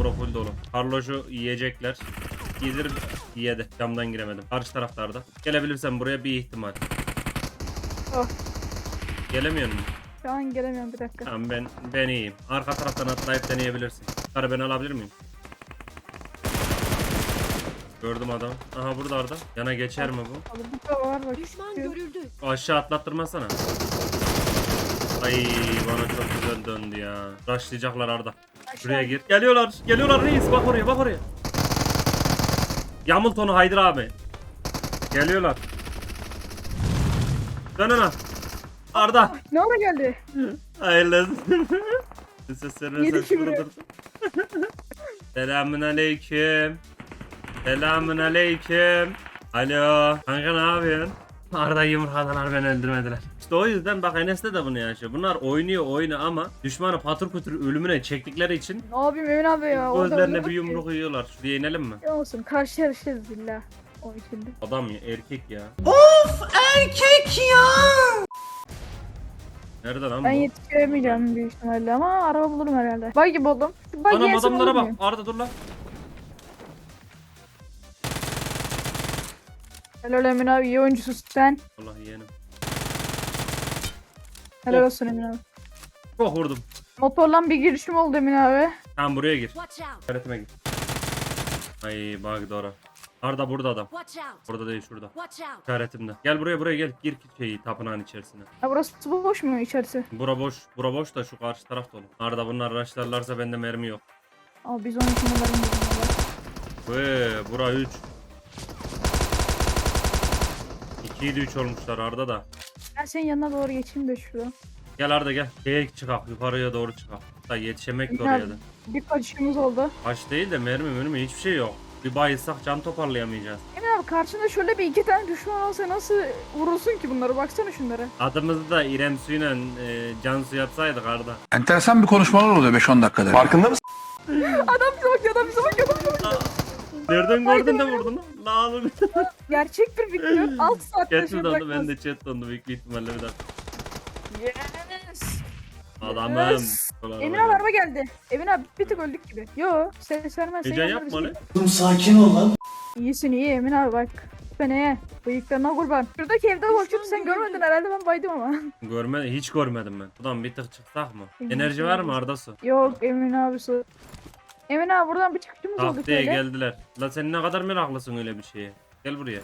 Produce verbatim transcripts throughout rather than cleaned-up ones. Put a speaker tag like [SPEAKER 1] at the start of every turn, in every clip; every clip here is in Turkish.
[SPEAKER 1] bura full dolu. Carlos'u yiyecekler. Yedir yedi. Camdan giremedim. Karşı taraflarda. Gelebilirsen buraya bir ihtimal.
[SPEAKER 2] Oh.
[SPEAKER 1] Gelemiyor musun?
[SPEAKER 2] Şu an gelemiyorum, bir dakika.
[SPEAKER 1] Tamam ben ben iyiyim. Arka taraftan atlayıp deneyebilirsin. Karı ben alabilir miyim? Gördüm adam. Aha burada Arda. Yana geçer mi bu?
[SPEAKER 2] Abi bu da var bak.
[SPEAKER 3] Düşman görüldü.
[SPEAKER 1] Aşağı atlattırmasana. Ay bana çok güzel döndü ya. Rushlayacaklar Arda. Şuraya gir. Geliyorlar. Geliyorlar reis. Bak oraya bak oraya. Yamult onu Haydır abi. Geliyorlar. Dön ona. Arda.
[SPEAKER 2] Ne ara geldi?
[SPEAKER 1] Hayırlı. Seslerine
[SPEAKER 2] Yedi
[SPEAKER 1] ses
[SPEAKER 2] kibri.
[SPEAKER 1] vurdur. Selamun aleyküm. Selamun aleyküm. Alo. Kanka ne yapıyorsun? Arda yumurtadılar, beni öldürmediler. İşte o yüzden bak Enes'te de bunu yaşıyor. Bunlar oynuyor oyunu ama düşmanı patır kütür ölümüne çektikleri için
[SPEAKER 2] Ne yapayım Emin abi ya? orada
[SPEAKER 1] gözlerine
[SPEAKER 2] öyle
[SPEAKER 1] bir
[SPEAKER 2] bak ki.
[SPEAKER 1] yumruk yiyorlar. Şuraya inelim mi?
[SPEAKER 2] Ya olsun, karşı yarışırız illa. O içinde.
[SPEAKER 1] Adam ya, erkek ya.
[SPEAKER 4] Erkek ya.
[SPEAKER 1] Nerede lan bu?
[SPEAKER 2] Ben yetiştiremeyeceğim büyük ihtimalle ama araba bulurum herhalde. Buggy buldum. Şu buggy
[SPEAKER 1] Anam
[SPEAKER 2] yersem
[SPEAKER 1] adamlara
[SPEAKER 2] olur
[SPEAKER 1] bak.
[SPEAKER 2] muyum?
[SPEAKER 1] Arda dur lan.
[SPEAKER 2] Helal Emin abi, iyi oyuncusun sen.
[SPEAKER 1] Vallahi yeğenim.
[SPEAKER 2] Helal
[SPEAKER 1] Of.
[SPEAKER 2] olsun Emin abi.
[SPEAKER 1] Çok vurdum.
[SPEAKER 2] Motorla bir girişim oldu Emin abi.
[SPEAKER 1] Tamam buraya gir.
[SPEAKER 3] Watch out.
[SPEAKER 1] Öğretime gir. Ay bak doğru. Arda burada adam.
[SPEAKER 3] Watch out.
[SPEAKER 1] Burada değil şurada.
[SPEAKER 3] Watch out.
[SPEAKER 1] İşaretimde. Gel buraya buraya gel. Gir şeyi tapınağın içerisine.
[SPEAKER 2] Ha burası boş mu içerisi?
[SPEAKER 1] Bura boş. Bura boş da şu karşı taraf dolu. Arda bunlar araçlarlarsa bende mermi yok.
[SPEAKER 2] Aa biz onun için varım dedim.
[SPEAKER 1] Ve bura üç. ikiyi de üç olmuşlar Arda da.
[SPEAKER 2] Ben senin yanına doğru geçeyim de şurada.
[SPEAKER 1] Gel Arda gel. Şeye çıkak. Yukarıya doğru çıkak. Da yetişemek de
[SPEAKER 2] Emin
[SPEAKER 1] oraya
[SPEAKER 2] abi,
[SPEAKER 1] da.
[SPEAKER 2] bir kaçışımız oldu.
[SPEAKER 1] Aç değil de mermi mermi hiçbir şey yok. Bir bayılsak can toparlayamayacağız.
[SPEAKER 2] Emin abi karşında şöyle bir iki tane düşman olsa nasıl vurulsun ki bunları? Baksana şunlara.
[SPEAKER 1] Adımızı da İrem Su'yla e, Cansu yapsaydık Arda.
[SPEAKER 4] Enteresan bir konuşmalar oluyor beş on dakikada. Farkında mısın?
[SPEAKER 2] Adam bize bakıyor, adam bize bakıyor, adam bize bakıyor.
[SPEAKER 1] Nereden gördün de vurdun lan? Lan
[SPEAKER 2] Gerçek bir video. altı saat
[SPEAKER 1] Chat
[SPEAKER 2] taşıyor
[SPEAKER 1] mi dondu?
[SPEAKER 2] bırakmaz.
[SPEAKER 1] Ben de chat dondu büyük bir ihtimalle bir dakika.
[SPEAKER 2] Yes.
[SPEAKER 1] Adamım.
[SPEAKER 2] Yes. Emin abi araba geldi. Emin abi bir tık öldük gibi. Yo ses vermez.
[SPEAKER 1] Heyecan yapma lan.
[SPEAKER 4] Sakin ol lan.
[SPEAKER 2] İyisin iyi Emin abi bak. Feneye. Bıyıklarına kurban. Şuradaki evde bakıyordu, sen görmedin herhalde, ben baydım ama.
[SPEAKER 1] Görme, hiç görmedim ben. Buradan bir tık çıksak mı?
[SPEAKER 2] Emin
[SPEAKER 1] Enerji var mı
[SPEAKER 2] misin?
[SPEAKER 1] Arda Su?
[SPEAKER 2] Yok Emin abi su. Emin abi buradan bir çıkışımız oldu
[SPEAKER 1] Tahtaya
[SPEAKER 2] şöyle.
[SPEAKER 1] geldiler. La sen ne kadar meraklısın öyle bir şeye. Gel buraya.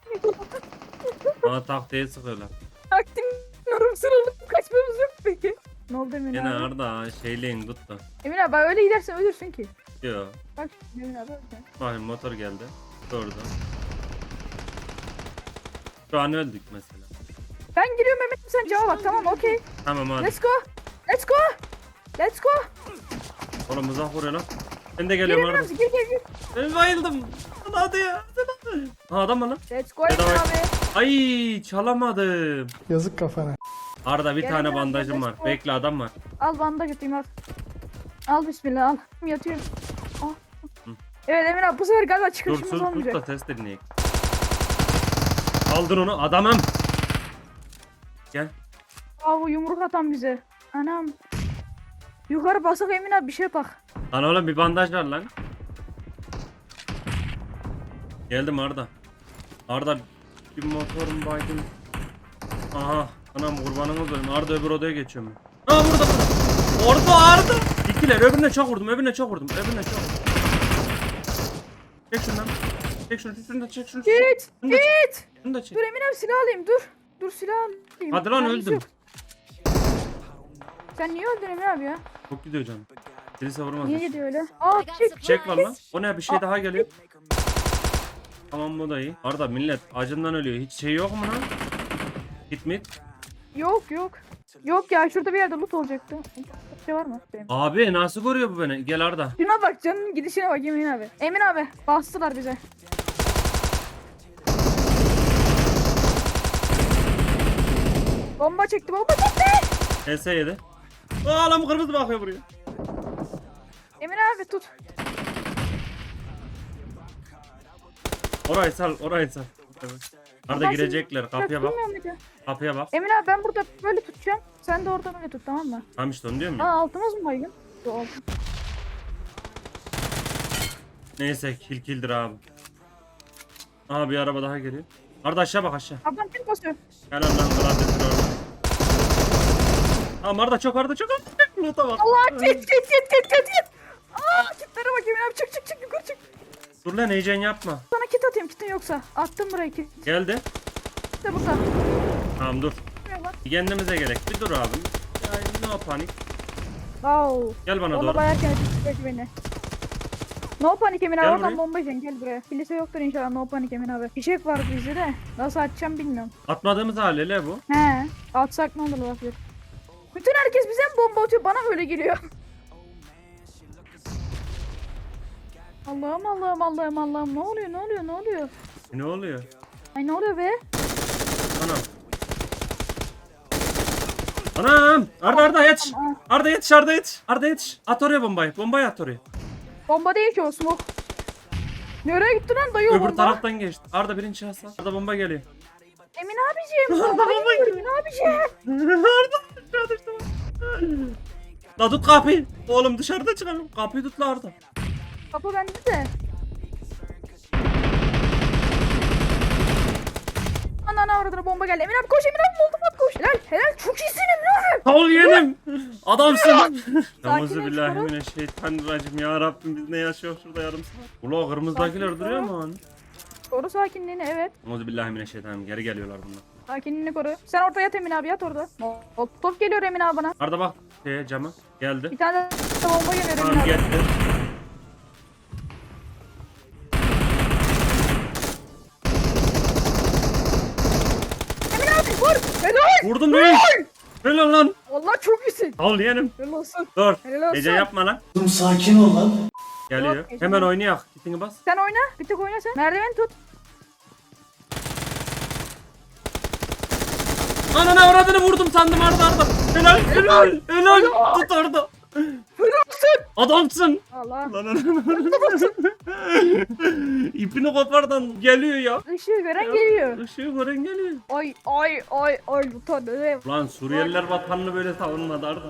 [SPEAKER 1] Bana tahtaya sıkıyorlar.
[SPEAKER 2] Taktim yorum sıralıp kaçmamız yok peki. Ne oldu Emin
[SPEAKER 1] Yine
[SPEAKER 2] abi?
[SPEAKER 1] Arda şeyleyin tuttu.
[SPEAKER 2] Emin abi bak öyle gidersen ölürsün ki.
[SPEAKER 1] Yo.
[SPEAKER 2] Bak şimdi Emin abi öldü.
[SPEAKER 1] Bakayım motor geldi. Durdu. Şu an öldük mesela.
[SPEAKER 2] Ben giriyorum Emin, sen cevap bak, tamam okey.
[SPEAKER 1] Tamam hadi.
[SPEAKER 2] Let's go. Let's go. Let's go.
[SPEAKER 1] Oğlum uzak vuruyor lan. Ben de
[SPEAKER 2] Gir
[SPEAKER 1] geliyorum
[SPEAKER 2] Emin
[SPEAKER 1] Arda.
[SPEAKER 2] abi, gir gir gir.
[SPEAKER 1] Ben bayıldım. Lan hadi ya. Ha adam mı lan?
[SPEAKER 2] Let's go Emin
[SPEAKER 1] Bedava-
[SPEAKER 2] abi.
[SPEAKER 1] Ay çalamadım.
[SPEAKER 5] Yazık kafana.
[SPEAKER 1] Arda bir
[SPEAKER 2] Gel
[SPEAKER 1] tane
[SPEAKER 2] gel,
[SPEAKER 1] bandajım
[SPEAKER 2] gel,
[SPEAKER 1] var.
[SPEAKER 2] let's go.
[SPEAKER 1] Bekle adam var.
[SPEAKER 2] Al bandaj atayım al. Al bismillah al. Yatıyorum. Al. Evet Emin abi bu sefer galiba
[SPEAKER 1] Dur
[SPEAKER 2] çıkışımız
[SPEAKER 1] sus tut
[SPEAKER 2] olmayacak.
[SPEAKER 1] da test dinleyek. Kaldır onu adamım. Gel.
[SPEAKER 2] Aa bu yumruk atan bize. Anam. Yukarı basak Emin abi bir şey bak.
[SPEAKER 1] Lan oğlum bir bandaj ver lan. Geldim Arda. Arda bir motorum baydım. Aha. Anam kurbanımız benim. Arda öbür odaya geçiyorum. Aa burada burada. Orada Arda. İkiler öbürüne çok vurdum. Öbürüne çok vurdum. Öbürüne çok vurdum. Çek şundan. Çek şunu. Şunu da çek şunu.
[SPEAKER 2] Git.
[SPEAKER 1] Şunu da çek.
[SPEAKER 2] Git.
[SPEAKER 1] Şunu da çek.
[SPEAKER 2] Dur Emin abi silah alayım dur. Dur silah alayım.
[SPEAKER 1] Hadi lan
[SPEAKER 2] Mermisi
[SPEAKER 1] öldüm.
[SPEAKER 2] yok. Sen niye öldün Emin abi ya?
[SPEAKER 1] Çok gidiyor canım. Birisi vurmaz.
[SPEAKER 2] Niye gidiyor öyle? Aa çek.
[SPEAKER 1] Çek var lan. O ne bir şey daha geliyor. Tamam bu da iyi. Arda millet acından ölüyor. Hiç şey yok mu lan? Git mi?
[SPEAKER 2] Yok yok. Yok ya şurada bir yerde loot olacaktı. Bir şey var mı? Benim.
[SPEAKER 1] Abi nasıl görüyor bu beni? Gel Arda.
[SPEAKER 2] Şuna bak, canının gidişine bak Emin abi. Emin abi bastılar bize. Bomba çekti, bomba çekti.
[SPEAKER 1] H S yedi. Aa lan bu kırmızı bakıyor buraya.
[SPEAKER 2] Emin abi tut.
[SPEAKER 1] Orayı sal, orayı sal. Evet. Arda
[SPEAKER 2] Ben
[SPEAKER 1] girecekler. Kapıya bak.
[SPEAKER 2] Tutmuyor muydu?
[SPEAKER 1] Kapıya bak.
[SPEAKER 2] Emin abi ben burada böyle tutacağım. Sen de oradan öyle tut, tamam mı?
[SPEAKER 1] Tamam işte onu diyorum
[SPEAKER 2] Aa
[SPEAKER 1] ya.
[SPEAKER 2] altımız mı baygın? Yok altın.
[SPEAKER 1] Neyse kill killdir abi. Aha bir araba daha geliyor. Arda aşağı bak aşağı.
[SPEAKER 2] Ablam kim basıyor?
[SPEAKER 1] Helal lan gladyatör orada. Tamam Arda çok Arda çok Arda. Loot'a bak.
[SPEAKER 2] Allah git git git git git git. Aa kitlere bak Emin abi çık çık çık yukarı çık.
[SPEAKER 1] Dur lan heyecan yapma.
[SPEAKER 2] Sana kit atayım kitin yoksa. Attım buraya kit.
[SPEAKER 1] Geldi.
[SPEAKER 2] İşte burada.
[SPEAKER 1] Tamam dur.
[SPEAKER 2] Şuraya bak.
[SPEAKER 1] Bir kendimize gerek. Bir dur abi. Yani no panik.
[SPEAKER 2] Wow.
[SPEAKER 1] Gel bana
[SPEAKER 2] Bomba
[SPEAKER 1] doğru.
[SPEAKER 2] bayağı kendisi beni. No panik Emin abi
[SPEAKER 1] Gel
[SPEAKER 2] oradan
[SPEAKER 1] buraya.
[SPEAKER 2] bomba yiyeceksin gel buraya. Kilise yoktur inşallah no panik Emin abi. Fişek var bizde de. Nasıl atacağım bilmiyorum.
[SPEAKER 1] Atmadığımız haliyle bu.
[SPEAKER 2] He. Atsak ne olur bak. Bütün herkes bize mi bomba atıyor? Bana öyle geliyor. Allah'ım Allah'ım Allah'ım Allah'ım ne oluyor ne oluyor ne oluyor?
[SPEAKER 1] Ne oluyor?
[SPEAKER 2] Ay ne oluyor be?
[SPEAKER 1] Anam. Anam. Arda Arda yetiş.
[SPEAKER 2] Aa,
[SPEAKER 1] Arda yetiş Arda yetiş. Arda yetiş. At oraya bombayı. Bombayı at oraya.
[SPEAKER 2] bomba değil ki o smoke. Nereye gitti lan dayı o
[SPEAKER 1] Öbür
[SPEAKER 2] bomba?
[SPEAKER 1] taraftan geçti. Arda birinci şahıs al. Arda bomba geliyor.
[SPEAKER 2] Emin abiciğim bomba geliyor Emin abiciğim.
[SPEAKER 1] Arda aşağı düştü. La tut kapıyı. Oğlum dışarıda çıkalım. Kapıyı tut la Arda.
[SPEAKER 2] Kapı bende de. Ana avradına bomba geldi. Emin abi koş Emin abi buldum at koş. Helal helal çok iyisin Emin abi.
[SPEAKER 1] Sağ ol yeğenim. Adamsın.
[SPEAKER 2] Sakin
[SPEAKER 1] Euzubillahimineşşeytanirracim ya Rabbim biz ne yaşıyoruz şurada yarım saat. Ula kırmızıdakiler
[SPEAKER 2] Sakin
[SPEAKER 1] duruyor
[SPEAKER 2] ol.
[SPEAKER 1] mu lan?
[SPEAKER 2] Koru sakinliğini evet.
[SPEAKER 1] Euzubillahimineşşeytanirracim geri geliyorlar bunlar.
[SPEAKER 2] Sakinliğini koru. Sen orada yat Emin abi yat orada. Hop top geliyor Emin abi bana.
[SPEAKER 1] Arda bak şeye cama geldi.
[SPEAKER 2] Bir tane de bomba geliyor Emin
[SPEAKER 1] Tamam
[SPEAKER 2] abi.
[SPEAKER 1] geldi.
[SPEAKER 2] Emin abi vur. Helal.
[SPEAKER 1] Vurdum değil. Helal lan.
[SPEAKER 2] Vallahi çok iyisin.
[SPEAKER 1] Sağ ol yeğenim.
[SPEAKER 2] Helal olsun.
[SPEAKER 1] Dur.
[SPEAKER 2] Helal olsun.
[SPEAKER 1] Gece yapma lan.
[SPEAKER 4] Oğlum sakin ol lan.
[SPEAKER 1] Geliyor.
[SPEAKER 2] Yok, gece
[SPEAKER 1] Hemen
[SPEAKER 2] yok.
[SPEAKER 1] oynayak. Gitini bas.
[SPEAKER 2] Sen oyna. Bir tek oyna sen. Merdiven tut.
[SPEAKER 1] Anana avradını vurdum sandım Arda Arda. Helal helal helal. Tut Arda. Adamsın.
[SPEAKER 2] Allah.
[SPEAKER 1] Lan lan lan. İpini kopardan geliyor ya.
[SPEAKER 2] Işığı gören geliyor.
[SPEAKER 1] Işığı gören geliyor.
[SPEAKER 2] Ay ay ay ay bu tadı.
[SPEAKER 1] Lan Suriyeliler vatanını böyle savunmadı Arda.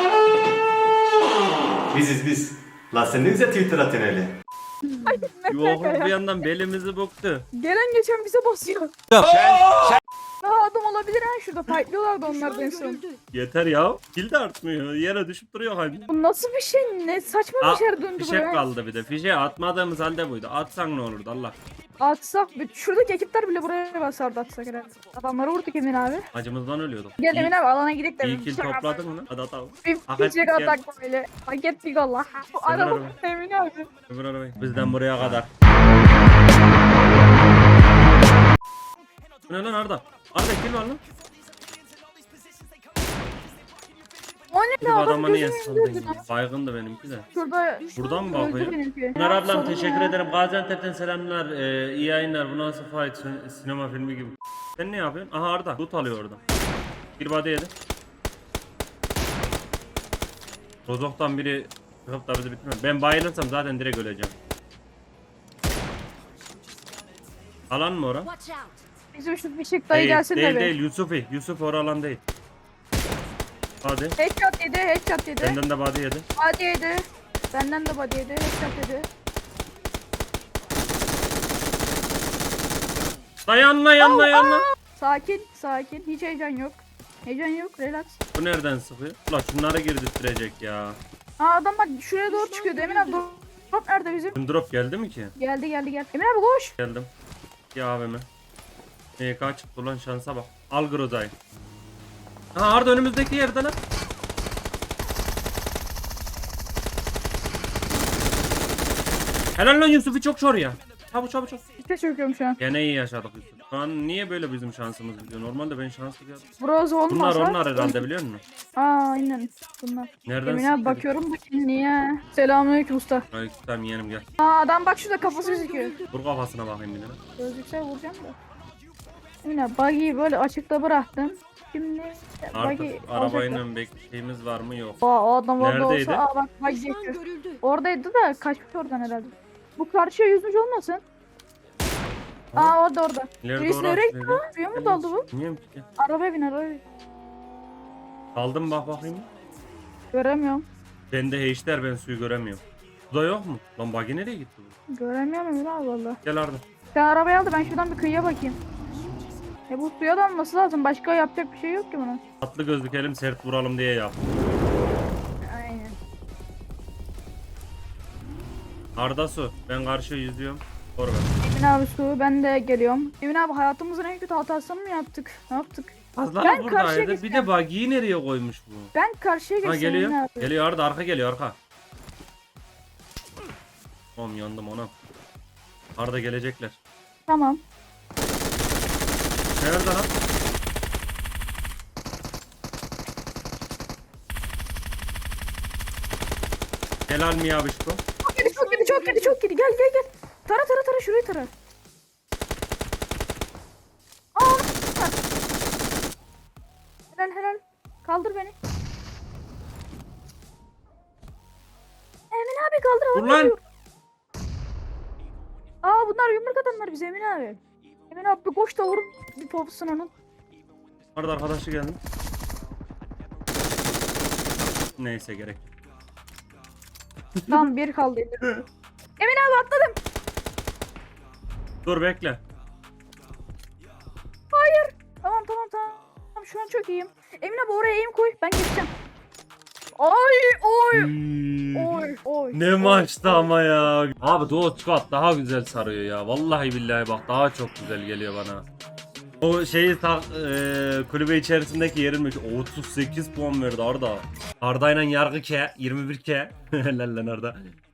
[SPEAKER 3] Biziz biz. Lan sen ne güzel Twitter atıyorsun öyle.
[SPEAKER 1] Yok bir yandan belimizi boktu.
[SPEAKER 2] Gelen geçen bize basıyor. Daha adam olabilir ha şurada fightlıyorlardı onlar da en son.
[SPEAKER 1] Yeter ya. Kill de artmıyor. Yere düşüp duruyor halde.
[SPEAKER 2] Bu nasıl bir şey? Ne saçma
[SPEAKER 1] Aa,
[SPEAKER 2] bir şey döndü
[SPEAKER 1] fişek
[SPEAKER 2] buraya.
[SPEAKER 1] kaldı bir de. Fişeği atmadığımız halde buydu. Atsan ne olurdu Allah.
[SPEAKER 2] Atsak bir- şuradaki ekipler bile buraya basardı atsak herhalde. Adamları vurduk Emin abi.
[SPEAKER 1] Acımızdan ölüyorduk.
[SPEAKER 2] Gel Emin abi alana gidelim de.
[SPEAKER 1] İyi kill topladın mı lan? Hadi atalım.
[SPEAKER 2] Bir
[SPEAKER 1] Hak ettik
[SPEAKER 2] fişek
[SPEAKER 1] ya.
[SPEAKER 2] atak böyle. Hak ettik Allah. Bu araba
[SPEAKER 1] araba.
[SPEAKER 2] Emin abi.
[SPEAKER 1] Öbür arabayı. Bizden buraya kadar. Bu ne lan Arda? Arda kill var lan.
[SPEAKER 2] O ne
[SPEAKER 1] Bir
[SPEAKER 2] lan adam
[SPEAKER 1] adama niye
[SPEAKER 2] gözümün önünde
[SPEAKER 1] saldın?
[SPEAKER 2] lan.
[SPEAKER 1] Baygındı benimki de.
[SPEAKER 2] Şurada.
[SPEAKER 1] Buradan mı
[SPEAKER 2] Öldü
[SPEAKER 1] bakıyor?
[SPEAKER 2] benimki.
[SPEAKER 1] Pınar ablam
[SPEAKER 2] Sorun
[SPEAKER 1] teşekkür
[SPEAKER 2] ya.
[SPEAKER 1] ederim. Gaziantep'ten selamlar. Ee, iyi yayınlar. Bu nasıl fight? Sin- Sinema filmi gibi. Sen ne yapıyorsun? Aha Arda. Loot alıyor orada. Bir body yedi. Rozok'tan biri çıkıp da bizi bitirmez. Ben bayılırsam zaten direkt öleceğim. Alan mı ora?
[SPEAKER 5] Watch out!
[SPEAKER 2] Bizim şu fişek dayı
[SPEAKER 1] Değil,
[SPEAKER 2] gelsin
[SPEAKER 1] değil,
[SPEAKER 2] de be.
[SPEAKER 1] değil. Yusufi. Yusuf ora alan değil. Hadi.
[SPEAKER 2] Headshot yedi, headshot yedi.
[SPEAKER 1] Benden de body yedi.
[SPEAKER 2] Body yedi. Benden de body yedi, headshot yedi.
[SPEAKER 1] Dayanla yanla yanla.
[SPEAKER 2] Sakin, sakin. Hiç heyecan yok. Heyecan yok, relax.
[SPEAKER 1] Bu nereden sıkıyor? Ulan şunları girdirttirecek ya.
[SPEAKER 2] Aa adam bak şuraya doğru çıkıyordu. Emin abi drop drop nerede bizim?
[SPEAKER 1] Bizim drop geldi mi ki?
[SPEAKER 2] Geldi geldi geldi. Emin abi koş.
[SPEAKER 1] Geldim. Ya abime. M K çıktı ulan şansa bak. Al Groza'yı. Aha Arda önümüzdeki yerde lan. Helal lan Yusuf'u çok şor ya. Çabuk çabuk çabuk.
[SPEAKER 2] İşte çöküyorum şu an.
[SPEAKER 1] Gene iyi yaşadık Yusuf. Şu an niye böyle bizim şansımız gidiyor? Normalde ben şanslı bir adam.
[SPEAKER 2] Bronz
[SPEAKER 1] Bunlar
[SPEAKER 2] olmasa.
[SPEAKER 1] onlar herhalde biliyor musun?
[SPEAKER 2] Aa aynen. Bunlar.
[SPEAKER 1] Nereden
[SPEAKER 2] Emin abi
[SPEAKER 1] sıktı?
[SPEAKER 2] bakıyorum bakayım niye. Selamünaleyküm usta.
[SPEAKER 1] Ay tamam yeğenim gel.
[SPEAKER 2] Aa adam bak şurada kafası gözüküyor.
[SPEAKER 1] Vur kafasına bakayım bir de.
[SPEAKER 2] Gözükse vuracağım da. Emin abi buggy'yi böyle açıkta bıraktın. Şimdi
[SPEAKER 1] Artık
[SPEAKER 2] buggy alacaklar.
[SPEAKER 1] arabayla bekleyimiz var mı yok.
[SPEAKER 2] Aa o adam orada
[SPEAKER 1] Neredeydi?
[SPEAKER 2] olsa aa bak buggy
[SPEAKER 5] Düşman
[SPEAKER 2] geçiyor.
[SPEAKER 5] görüldü.
[SPEAKER 2] Oradaydı da kaçmış oradan herhalde. Bu karşıya yüzmüş olmasın? Aa orada orada.
[SPEAKER 1] İleride
[SPEAKER 2] Reis
[SPEAKER 1] orası
[SPEAKER 2] nereye gitti
[SPEAKER 1] dedi.
[SPEAKER 2] lan? Suya mı daldı bu?
[SPEAKER 1] Bilmiyorum ki.
[SPEAKER 2] Arabaya bin arabaya bin.
[SPEAKER 1] Kaldım bak bakayım.
[SPEAKER 2] Göremiyorum.
[SPEAKER 1] Bende H'ler ben suyu göremiyorum. Bu da yok mu? Lan buggy nereye gitti bu?
[SPEAKER 2] Göremiyorum Emir abi valla.
[SPEAKER 1] Gel Arda.
[SPEAKER 2] Sen arabayı aldı, ben şuradan bir kıyıya bakayım. E bu suya da alması lazım. Başka yapacak bir şey yok ki buna.
[SPEAKER 1] Tatlı gözlükelim sert vuralım diye yap.
[SPEAKER 2] Aynen.
[SPEAKER 1] Arda su. Ben karşı yüzüyorum. Doğru ver.
[SPEAKER 2] Emin abi su, ben de geliyorum. Emin abi hayatımızın en kötü hatasını mı yaptık? Ne yaptık?
[SPEAKER 1] Fazla
[SPEAKER 2] Ben karşıya
[SPEAKER 1] buradaydı. Bir
[SPEAKER 2] geçeceğim.
[SPEAKER 1] de buggy'yi nereye koymuş bu?
[SPEAKER 2] Ben karşıya
[SPEAKER 1] Ha
[SPEAKER 2] geçeceğim Emin
[SPEAKER 1] geliyor.
[SPEAKER 2] abi.
[SPEAKER 1] Geliyor Arda, arka geliyor arka. Oğlum yandım ona. Arda gelecekler.
[SPEAKER 2] Tamam.
[SPEAKER 1] Nerede lan? Helal mi ya Bişko?
[SPEAKER 2] Çok kötü, çok kötü, çok kötü, çok kötü. Gel gel gel. Tara tara tara, şurayı tara. Aa! Var. Helal helal. Kaldır beni. Emin abi kaldır.
[SPEAKER 1] Dur
[SPEAKER 2] havada
[SPEAKER 1] lan.
[SPEAKER 2] duruyor. Aa bunlar yumruk adamlar bize Emin abi. Emin abi bir koş da vurun bir popsun onun.
[SPEAKER 1] Arda arkadaşı geldi. Neyse gerek. yok.
[SPEAKER 2] Tamam bir kaldı. Emin abi atladım.
[SPEAKER 1] Dur bekle.
[SPEAKER 2] Hayır. Tamam tamam tamam. Tamam şu an çok iyiyim. Emin abi oraya aim koy, ben geçeceğim. Ay oy. Oy oy.
[SPEAKER 1] Ne maçtı ama ya. Abi Duo Squad daha güzel sarıyor ya. Vallahi billahi bak daha çok güzel geliyor bana. O şeyi ta, e, kulübe içerisindeki yerilmiş otuz sekiz puan verdi Arda. Arda'yla yargı K yirmi bir K. Helal lan Arda.